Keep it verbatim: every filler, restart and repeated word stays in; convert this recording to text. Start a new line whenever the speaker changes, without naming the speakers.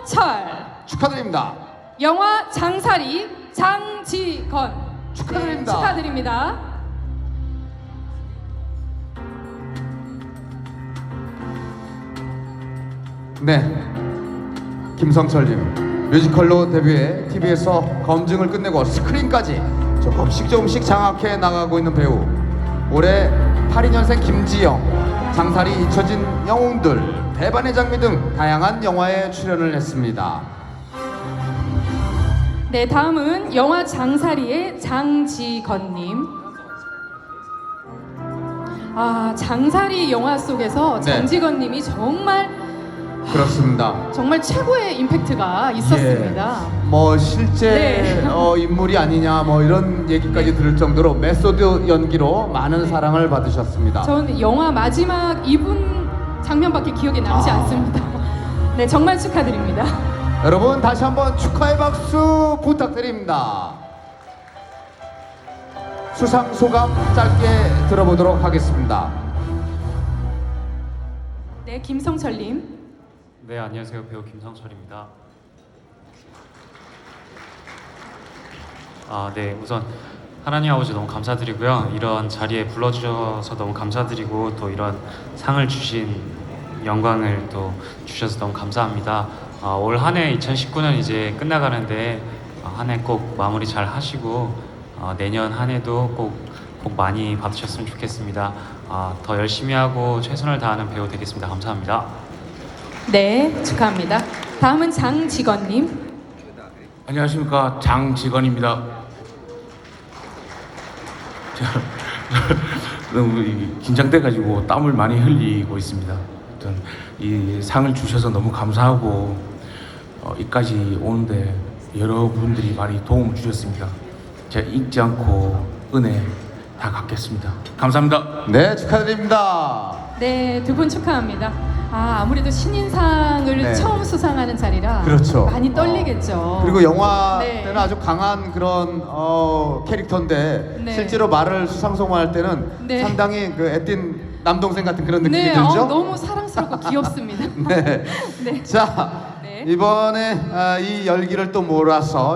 김성철.
축하드립니다.
영화 장사리 장지건.
축하드립니다.
네, 축하드립니다.
네, 김성철님 뮤지컬로 데뷔해 티비에서 검증을 끝내고 스크린까지 조금씩 조금씩 장악해 나가고 있는 배우. 올해 팔십이 년생 김지영, 장사리 잊혀진 영웅들, 대반의 장미 등 다양한 영화에 출연을 했습니다.
네, 다음은 영화 장사리의 장지건님. 아, 장사리 영화 속에서
네.
장지건님이 정말
그렇습니다.
정말 최고의 임팩트가 있었습니다.
예, 뭐 실제
네.
어, 인물이 아니냐 뭐 이런 얘기까지 들을 정도로 메소드 연기로 많은
네.
사랑을 받으셨습니다.
전 영화 마지막 이 분 장면밖에 기억에 남지
아.
않습니다. 네, 정말 축하드립니다.
여러분 다시 한번 축하의 박수 부탁드립니다. 수상 소감 짧게 들어보도록 하겠습니다.
네, 김성철님.
네, 안녕하세요. 배우 김성철입니다. 아, 네, 우선 하나님 아버지 너무 감사드리고요. 이런 자리에 불러주셔서 너무 감사드리고 또 이런 상을 주신 영광을 또 주셔서 너무 감사합니다. 아, 올 한 해 이천십구 년 이제 끝나가는데 한 해 꼭 마무리 잘 하시고 어, 내년 한 해도 꼭, 복 많이 받으셨으면 좋겠습니다. 아, 더 열심히 하고 최선을 다하는 배우 되겠습니다. 감사합니다.
네, 축하합니다. 다음은 장지건님.
안녕하십니까, 장지건입니다. 제가 너무 이 긴장돼가지고 땀을 많이 흘리고 있습니다. 아무튼 이 상을 주셔서 너무 감사하고 어, 이까지 오는데 여러분들이 많이 도움을 주셨습니다. 제가 잊지 않고 은혜 다 갚겠습니다. 감사합니다.
네, 축하드립니다.
네, 두 분 축하합니다. 아, 아무래도 신인상을
네.
처음 수상하는 자리라
그렇죠.
많이 떨리겠죠.
어, 그리고 영화
네.
때는 아주 강한 그런 어, 캐릭터인데
네.
실제로 말을 수상소감할 때는
네.
상당히 그 애띤 남동생 같은 그런 느낌이
네,
들죠?
어, 너무 사랑스럽고 귀엽습니다.
네.
네.
자,
네.
이번에 아, 이 열기를 또 몰아서